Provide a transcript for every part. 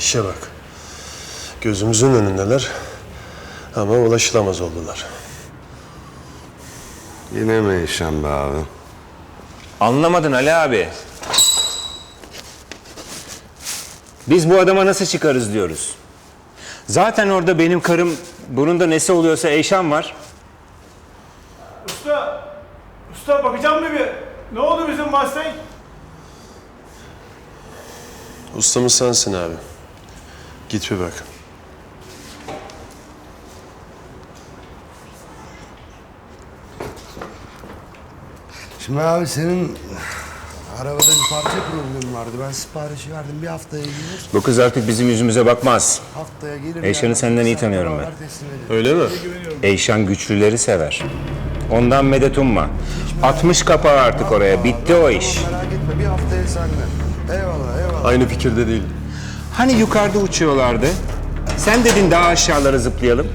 İşe bak. Gözümüzün önündeler ama ulaşılamaz oldular. Yine mi Eyşan be abi? Anlamadın Ali abi. Biz bu adama nasıl çıkarız diyoruz. Zaten orada benim karım, bunun da nesi oluyorsa Eyşan var. Usta bakacağım mı bir? Ne oldu bizim Mustang? Ustamız sensin abi. Git bir bak. Şimdi abi senin arabada bir parça problemi vardı. Ben siparişi verdim. Bir haftaya gelir. Bu kız artık bizim yüzümüze bakmaz. Haftaya gelir. Eyşan'ı yani. senden iyi Sen tanıyorum beraber ben. teslim ederiz. Öyle mi? Eyşan güçlüleri sever. Ondan medet umma. 60 kapağı artık oraya. Bitti o iş. Merak etme. Bir haftaya sende. Eyvallah eyvallah. Aynı fikirde değil. Hani yukarıda uçuyorlardı? Sen dedin daha aşağılara zıplayalım.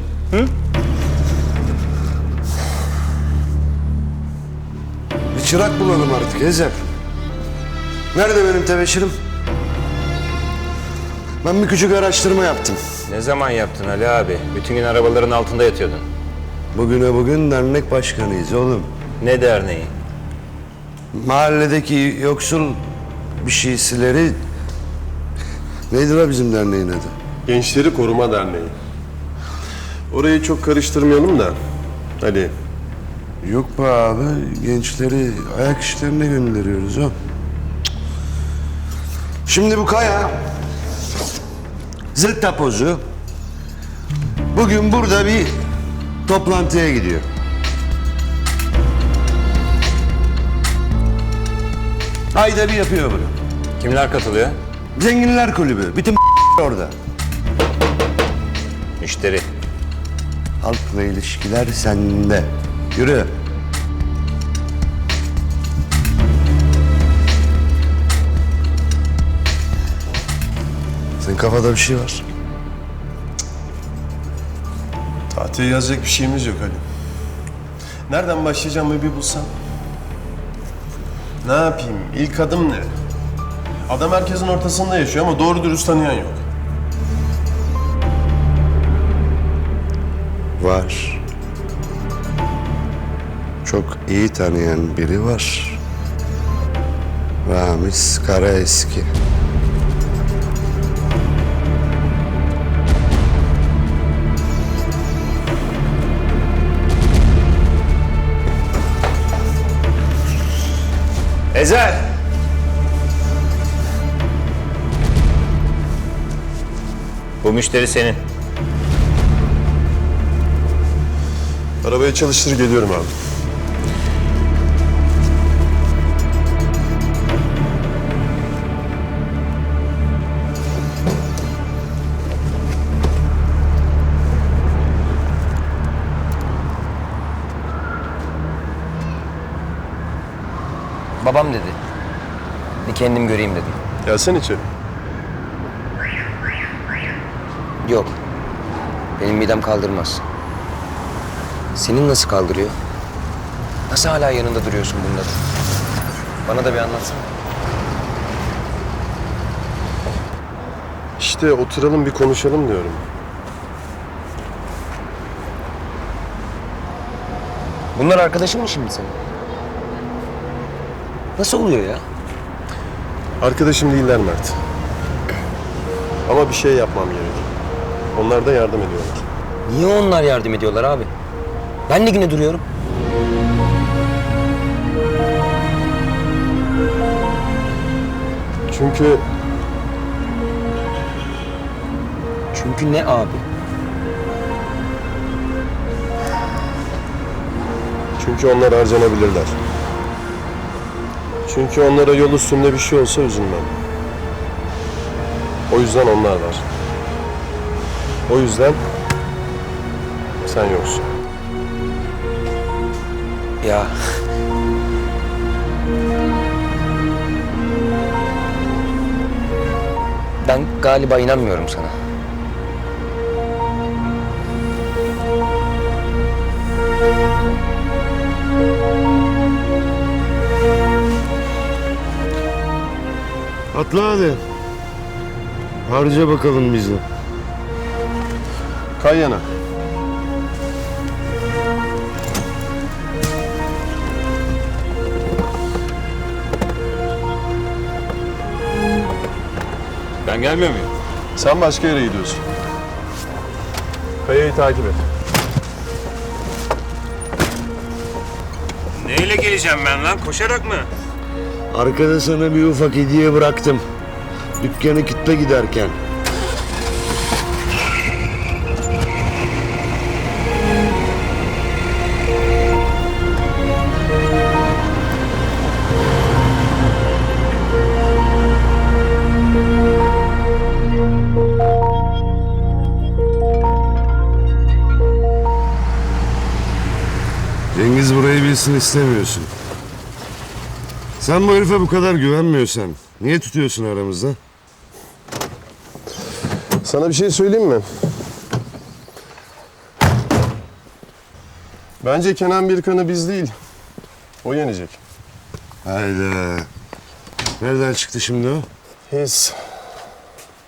Bir çırak bulalım artık Ezel. Nerede benim tebeşirim? Ben bir küçük araştırma yaptım. Ne zaman yaptın Ali abi? Bütün gün arabaların altında yatıyordun. Bugüne bugün dernek başkanıyız oğlum. Ne derneği? Mahalledeki yoksul bir şeysileri... Neydi la bizim derneğin adı? Gençleri Koruma Derneği. Orayı çok karıştırmayalım da. Ali. Yok be abi, gençleri ayak işlerine gönderiyoruz o. Şimdi bu Kaya, zırt tapozu, bugün burada bir toplantıya gidiyor. Ayda bir yapıyor bunu. Kimler katılıyor? Zenginler kulübü, bütün orada. Müşteri. Halkla ilişkiler sende. Yürü. Senin kafada bir şey var. Tahtaya yazacak bir şeyimiz yok Ali. Nereden başlayacağımı bir bulsam. Ne yapayım? İlk adım ne? Adam herkesin ortasında yaşıyor ama doğru dürüst tanıyan yok. Var. Çok iyi tanıyan biri var. Ramiz Karaeski. Ezel! Bu müşteri senin. Arabayı çalıştır geliyorum abi. Babam dedi. Bir kendim göreyim dedim. Gelsene içeri. Yok. Benim midem kaldırmaz. Senin nasıl kaldırıyor? Nasıl hala yanında duruyorsun bunda da? Bana da bir anlatsana. İşte oturalım bir konuşalım diyorum. Bunlar arkadaşın mı şimdi senin? Nasıl oluyor ya? Arkadaşım değiller Mert. Ama bir şey yapmam gerek. Onlar da yardım ediyorlar. Niye onlar yardım ediyorlar abi? Ben de yine duruyorum. Çünkü Çünkü ne abi? Çünkü onlar harcanabilirler. Çünkü onlara yol üstünde bir şey olsa üzülmem. O yüzden onlar var. O yüzden sen yoksun. Ya ben galiba inanmıyorum sana. Atla hadi. Harca bakalım bizi. Kay yana. Ben gelmiyor muyum? Sen başka yere gidiyorsun. Kayayı takip et. Neyle geleceğim ben lan? Koşarak mı? Arkada sana bir ufak hediye bıraktım. Dükkanı kitle giderken. Cengiz burayı bilsin istemiyorsun. Sen bu herife bu kadar güvenmiyorsan niye tutuyorsun aramızda? Sana bir şey söyleyeyim mi? Bence Kenan Birkan'ı biz değil, o yenecek. Hayda. Nereden çıktı şimdi o? His.